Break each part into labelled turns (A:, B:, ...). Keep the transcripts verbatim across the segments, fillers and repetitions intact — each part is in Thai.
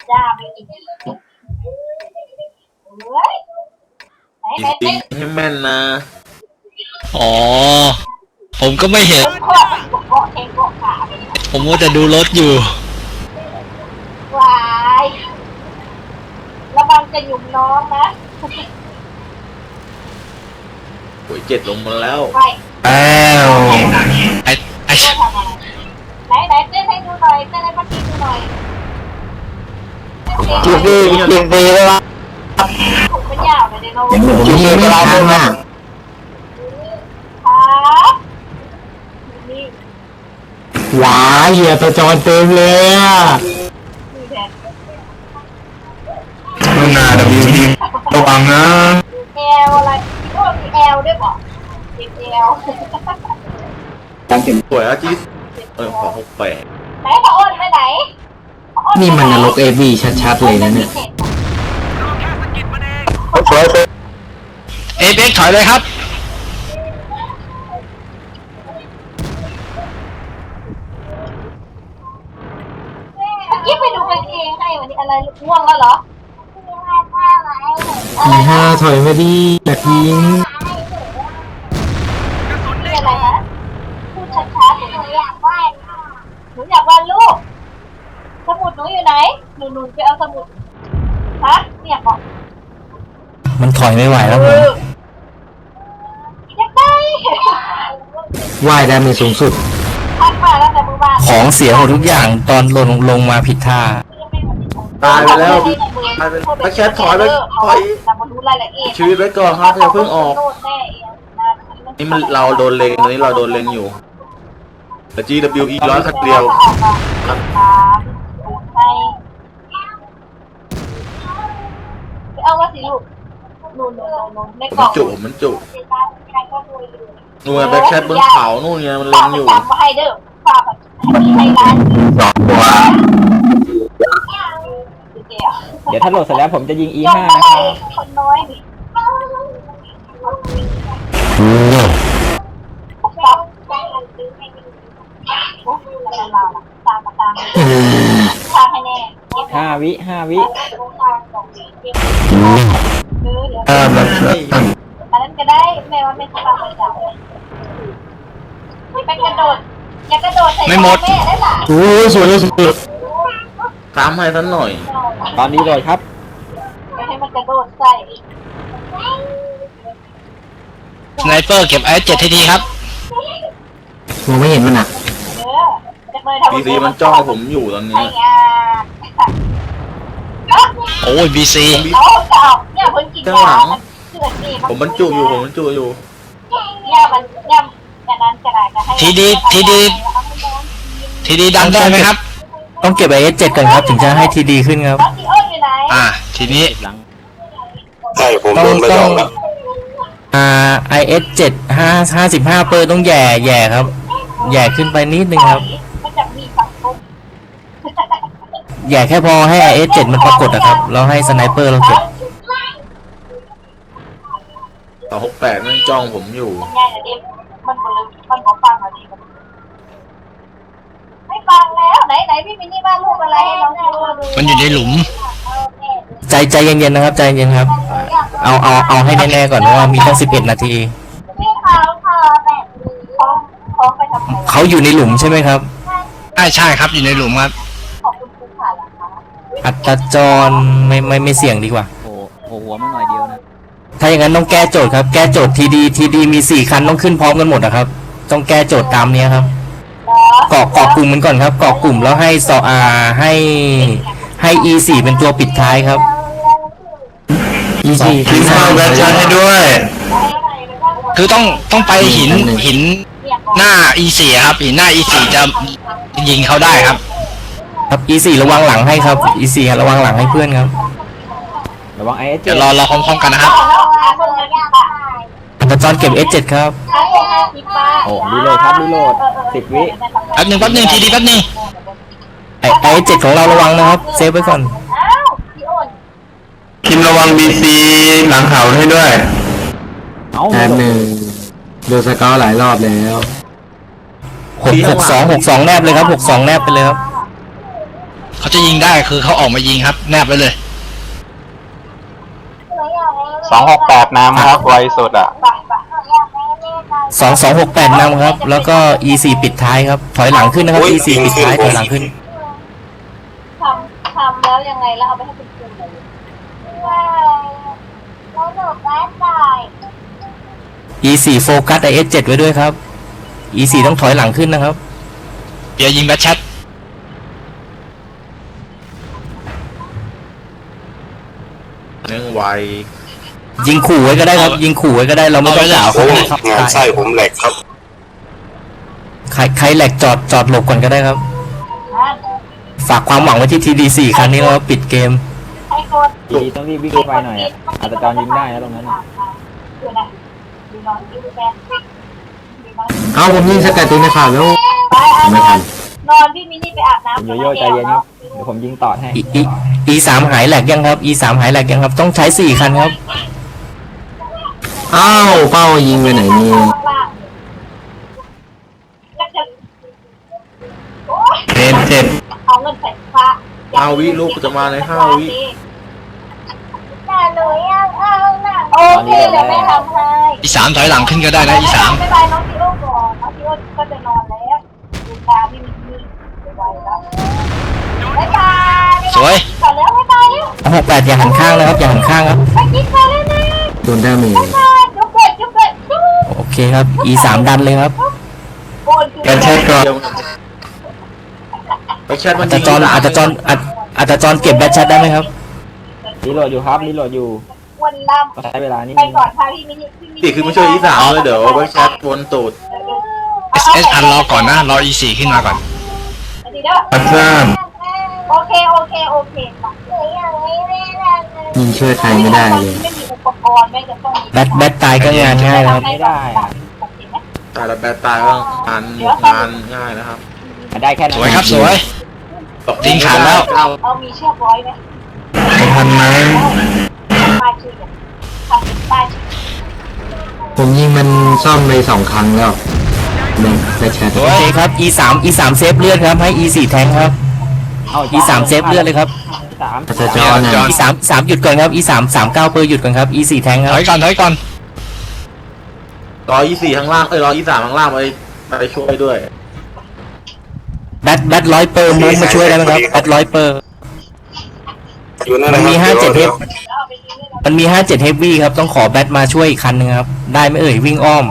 A: จ้าไปกินเฮ้ยไหนไหน
B: จริงๆให้แม่นนะ
C: อ๋อผมก็ไม่เห็น
A: ขวดขวดเองขวดขา
C: ผมว่าจะดูรถอยู่
A: วายระวังจะหยุ่มน้องนะ
B: โอ้ยเจ็ดลงมาแล้ว
A: ไป
D: อ้าว
C: ไอ้ไอ้
A: ทำอะไรไหนไหนเต้นให้ดูหน่อยเต้นให้ป้าทีดูหน่อย
D: จีบีจีบีเลยวะ
A: ถูกเป็นยาวเลยเดี๋ยวเรา
D: จีบีไม่ทันอ่ะ
A: ครับนี่
D: หวาเหี้ยตัวจอนเต็มเลยอ่ะ
A: นี่แทน
D: มึงนาดับยูดีระวังนะ
A: แอลอะไรพี่ว่ามีแอลด้วยป่ะติดแอล
B: สวยอ่ะจีเออขอหกแปด
A: ไหนพระอ้นไปไหน
D: นี่มันนรกเอวีชัดๆเลยนะเนี่ย
C: เอฟเอ็กซ์ถอยเลยครับ
A: เมื่อกี้ไปดูกางเกงให้วันนี้อะไรง่วงแล้วเหรอ
D: มีห้าถอยมาดีอย่าทิ้ง
A: นี่อะไรนะพูดช้าๆหนูอยากวาดหนูอยากวาดรูปสมุดหนูอยู่ไหนหนูหนูไปเอาสมุดฮะเนี่ยบอก
D: มันถอยไม่ไหวแล้วผม
A: อยากได้
D: ว่ายได้มีสูงสุด
A: ทักมาแล้วแต่มือบ้าน
D: ของเสียหมดทุกอย่างตอนลงลงมาผิดท่า
B: ตายไปแล้วตายไปไปแคทถอยไปถอย
A: แต่มาดูรายละเอียด
B: ชีวิตไว้ก่อนครับอย่าเพิ่งออก นี่มันเราโดนเลงตอนนี้เราโดนเลงอยู่แต่ จี ดับเบิลยู อี ร้อยคัดเดียว
A: ไปเอาว่าสิลูกนู่นนู่นนู่นในก
B: มั
A: ล่
B: น
A: อง
B: จุมันจุนู่นแบ็คแคทบนเขานู่นไงมันเลงอยู่
A: ฝากมาให้เด้อฝากแบบให้ร้าน
D: สองตัว
E: เดี๋ยวถ้าโหลดเสร็จแล้วผมจะยิง อี
A: ยก
E: ห้า
A: มา
E: นะค
A: ไล่
E: รับ
A: คนน้อยดิซับโอ้ยแล้วเราล่ะตามมาตามตามให้แน่
E: ห้าวิห้าวิ
A: เออเดี๋ยว
D: เออมัน
A: อันนั้นก็ได้แม่ว่าไม่ต้องไปจับไปกระโดดอย่ากระโดดใส่แม่ได้ล่ะ
D: โอ้ยสวยเลยสวย
B: ตามให้ท่านหน่อย
E: ตอนนี้โหลดครับ
A: ไม่ให้มันกระโดดใส่
C: สไนเปอร์เก็บไอ้เจ็ดทีทีครับ
D: มองไม่เห็นมันอ่ะ
A: เออจะเลยทำ
B: บีซีมันจ้องผมอยู่ตอนนี้
A: ไอ้ยา
C: โอ้ยบีซี
A: แล้วจะออกเนี่ยเพิ่งกินยาเกิดนี่
B: ผมบรรจุอยู่ผมบรรจุอยู่
A: ยามันยาอย่างนั้นก็ได้จะให้
C: ทีดีทีดีทีดีดันได้ไหมครับ
D: ต้องเก็บไอเอสเจ็ดก่อนครับถึงจะให้ทีดีขึ้นครับ
A: แล้วที่อ้นอยู่ไหน
C: อ่าทีนี้
F: ใช่ผม
D: ต้อ
F: โด
D: ง
F: นไป
D: ต้
F: ส
D: อ
F: อง งแล้ว
D: อ่า ไอ เอส เจ็ด ห้า ห้าสิบห้าเปอร์ต้องแย่แย่ครับแย่ขึ้นไปนิดนึงครับ
A: มันจะมีสังคม
D: แย่แค่พอให้ ไอ เอส เจ็ด มันปรากฏนะครับแล้วให้สไนเปอร์เราเก็บ
B: ต่อหกแปดมันจ้องผมอยู่
A: มันง่ายนะเด็กมันบเลยมันขอฟังหน่อยดิไม่ฟังแล้วไหนไหนพี่มินนี่บ้านรูปอะไรให้น้องดูดู
C: มันอยู่ในหลุม
D: ใจใจเย็นๆนะครับใจเย็นครับ เอาเอาเอาให้แน่ๆก่อนเพราะว่ามีตั้งสิบเอ็ดนาที
A: พี่เขาพอแบบนี้เขาเขาไปทำอะไร
D: เขาอยู่ในหลุมใช่ไหมครับ
C: ใช่ใช่ครับอยู่ในหลุมครับ
A: ขอบคุณคุณค่ะหลังคะ
D: อัตราจรไม่ไม่ไม่เสี่ยงดีกว่า
E: โอ้โหหัวมาหน่อยเดียวนะ
D: ถ้าอย่างนั้นต้องแก้โจทย์ครับ แก้โจทย์ทีดีทีดีมีสี่คันต้องขึ้นพร้อมกันหมดนะครับ ต้องแก้โจทย์ตามเนี้ยครับเกาะเกาะกลุ่มมันก่อนครับเกาะกลุ่มแล้วให้สออาให้ให้ อี สี่ เป็นตัวปิดท้ายครับ อี สี่
F: ทิ้งเอาแบตชาร์จให้ด้วย
C: คือต้องต้องไปหินหินหน้า อี สี่ ครับหินหน้า อี สี่ จะยิงเขาได้ครับ
D: ครับ อี สี่ ระวังหลังให้ครับ อี สี่ ระวังหลังให้เพื่อนครับ
E: ระวังไอเอสเจ็
C: เดี๋ย
E: ด
C: วรอรอพร้อมๆกันนะครับ
D: อัตราจรเก็บ เอส เจ็ด ครับ
E: โอ้รีโหลดครับรีโหลดสิบวิ
C: แป๊บหนึ่งแป๊บหนึ่งทีดีแป๊บหนึ่ง
D: ไอไอเจ็ดของเราระวังนะครับเซฟไว้ก่อน
A: อ้าวพี่อ้น
F: คิมระวังบีซีหลังเขาให้ด้วย
E: เอ้า
D: แป๊บหนึ่งดูสกอร์หลายรอบแล้วหกหกสองหกสองแนบเลยครับหกสองแนบไปเลยครับ
C: เขาจะยิงได้คือเขาออกมายิงครับ แนบไปเลย
F: สองหกแปดน้ำครับไวสุดอ่ะ
D: สองสองหกแปดนำครับ แล้วก็ อี สี่ ปิดท้ายครับ ถอยหลังขึ้นนะครับ อี สี่ ปิดท้ายถอยหลังขึ้น
A: ทำทำแล้วยังไงแล้วเอาไปให้คุณครูเลยแล้วหนูก็ได้
D: อี สี่ โฟกัส ไอ เอส เจ็ด ไว้ด้วยครับ อี สี่ ต้องถอยหลังขึ้นนะครับ
C: เดี๋ยวยิงแบทแชท
B: เนื่องไว
D: ยิงขู่ไว้ก็ได้ครับ ยิงขู่ไว้ก็ได้เราไม่ต้องด่าเขาครับ
F: งานไส้ผมแหลกครับ
D: ใครใครแหลกจอดจอดหลบก่อนก็ได้ครับ ฝากความหวังไว้ที่ ที ดี สี่ ครั้งนี้แล้วปิดเกม
A: ให้กด
E: ทีดีต้องรีบวิ่งไปหน่อยอะอาจจะจรยิงได้นะตรงนั้นอะ
A: ดูนะดูนอนดูแฟน
D: เอาผมยิงสกัดตีนะครับแล้ว
A: ไปอ่ะนอนนอนพี่มินี่ไปอาบน้ำ
E: คุณโยโย่ใจเย็นครับเดี๋ยวผมยิงต่อให้
D: อีอีอีสามหายแหลกยังครับ อีสามหายแหลกยังครับ ต้องใช้สี่คันครับ อ้าวเป้ายิงไปไหนนี่
A: เจ็บเจ็บเอาเงินใส่ฟ้า
B: ห้าวิลูกจะมาในห้าวิ
A: แต่หนูยังเอาหนังโอเคเดี๋ยวแม่ทำให้
C: อีสามถอยหลังขึ้นก็ได้นะอีสาม
A: บ๊ายบายน้องซีโร่ก่อนน้องซีโร่ก็จะนอนแล้วดูตาพี่มินี่ไปไว้แล้วบ๊ายบาย
C: สวย
A: ก่อนแล้วบ๊ายบายแล้ว
D: หกแปดอย่าหันข้างนะครับ อย่าหันข้างครับ
A: ไปกินไปแล้วนะ
D: โดนได้ไหม
A: บ๊ายบายจุ๊บเกิดจุ๊บเกิดจุ๊บ
D: โอเคครับ อีสามดันเลยครับ
A: โอนคือ
D: แชทก่อน
B: เดี๋ยวไปแชทมัน
D: อาจจะจอนอาจจะจอนอาจอาจจะจอนเก็บแบทแชทได้ไหมครับ
E: รีโหลดอยู่ครับรีโหลดอยู่
A: วันล
E: ก็ใช้เวลานิด
A: ำไป
E: นึง
A: ก่อนพาพี่มินี่พี่มิ
B: ติคือไม่ช่วยอีสามเลยเดี๋ยวไปแชทวนตูด
C: เอสเอสอันรอก่อนนะรอ อี สี่ ขึ้นมาก่อน
B: อันซ่าม
A: โอเคโอเคโอเคยังไม่ได้เลย
D: ยิงช่วยใครไม่ได้เลย
A: ไม่มีอุปกรณ์ไม่จะต้อง
D: แบทแบทตายก็งานง่ายนะครับ
E: ไม่ได้อะ
B: ตายแล้วแบตตายก็งานงานง่ายนะครับ
E: ได้แค่นั้น
C: สวยครับสวย ทิ้งขาดแล้ว
A: เอามีเชือกร้อยไหม
D: ทันไหม
A: ป้ายชื่อทำเป็นป้ายชื่อ
D: ผมยิงมันซ่อมไปสองครั้งแล้วหนึ่งแบทแชท
C: ส
D: โอ
C: วย
D: เคครับ อี สาม อี สาม เซฟเลือดครับให้ อี สี่ แทงครับ
E: เอา
D: อี สาม เซฟเลือดเลยครับ
E: สาม
D: อาจจะจอนนะอี สาม สามหยุดก่อนครับ อี สาม สามเก้าเปอร์หยุดก่อนครับ อี สี่ แทงค
C: ถ
D: รับ
C: อยก่อนถอยก่อน
B: รอยี่สี่ข้างล่างเอ้ยรอยี่สามข้างล่างไปไปช่วยด้วย
D: แบทแบทร้อยเปอร์มุ้งมาช่วยได้ไหมครับแบทร้อยเปอร์
F: อยู่นั่น
D: มั
F: นะ
D: น
F: ครับ
D: มีห้าเจ็ดเฮ
F: ดี๋ยว
D: ฟมันมีห้าเจ็ดเฮฟวี่ครับ ต้องขอแบทมาช่วยอีกคันนึงครับ ได้ไหมเอ่ยวิ่งอ้อม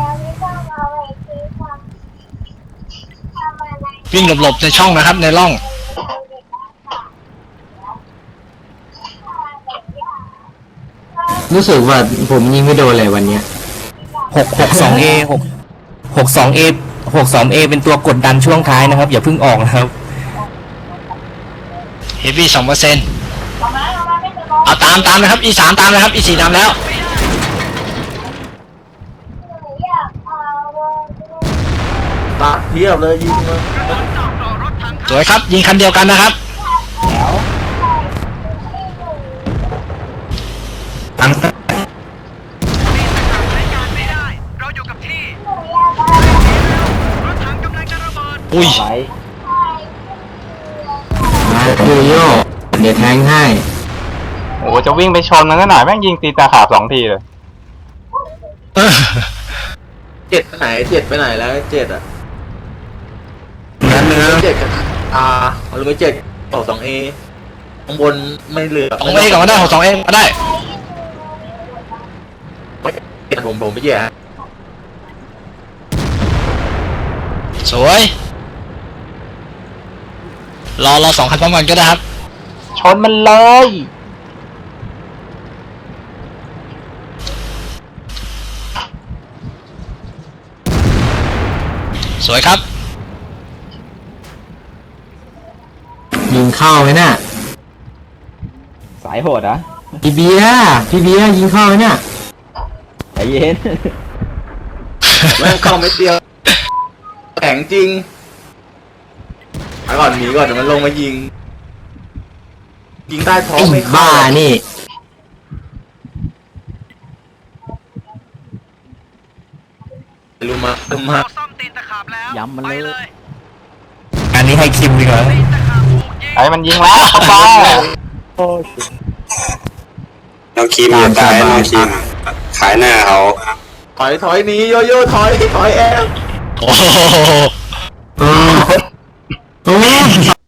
C: วิ่งหลบๆในช่องนะครับในร่อง
D: รู้สึกว่าผมยิงไม่โดนเลยวันเนี้ยหกหกสองเอหกหกสองเอหกสองเอเป็นตัวกดดันช่วงท้ายนะครับ อย่าเพิ่งออกนะครับ
C: เฮฟวี่สองเปอร์เซ็นต์
A: เอามาเอามาไม่จะรอ
C: เอาตามตามนะครับ อีสามตามนะครับ อีสี่ตามแล้ว
A: อยากเอา
B: ตาเทียบเลยยิงมา
C: สวยครับยิงคันเดียวกันนะครับ
D: ตั้ง
C: อุ้ย
E: ไว้
D: มาโยโย่เดี๋ยวแทงให้
F: โอ้โหจะวิ่งไปชนมันก็หน่อยแม่งยิงตีตาขาบสองทีเลย
C: เออ
B: เจ็ดไปไหนเจ็ดไปไหนแล้วเจ็ดอ่ะ
D: นั้นเนื้อ
B: เจ็ดกับอ่าหรือไม่เจ็ดต่อสองเอข้างบนไม่เหลือ
C: สองเอก่อนก็ได้หกสองเอก็ได้
B: ผมผมไม่แย่
C: สวย รอรอสองคันพร้อมกันก็ได้ครับ
E: ชนมันเลย
C: สวยครับ
D: ยิงเข้าไหมน่ะ
E: สายโหดอ่ะ
D: พี่เบียร์พี่เบียร์ยิงเข้าไหมเนี่ย
E: ใจเย็น
B: แม่งเข้าไม่เดียวแข็งจริงไปก่อนหนีก่อนเดี๋ยวมันลงมายิงยิงใต้ท้อง
D: ไอ้
B: ไม่เข้า
D: บ้านี่
B: ลุมาลุมา
E: ย้ำมันเลย
D: อันนี้ให้คิมดีกว่า
E: ไอ้มันยิงแล้วเข้าไป
F: เราคีมจะตายเราคีมขายหน้าเขา
B: ถอยถอยหนีโยโย่ถอยถอยแอม
C: โอ้โห
F: อืม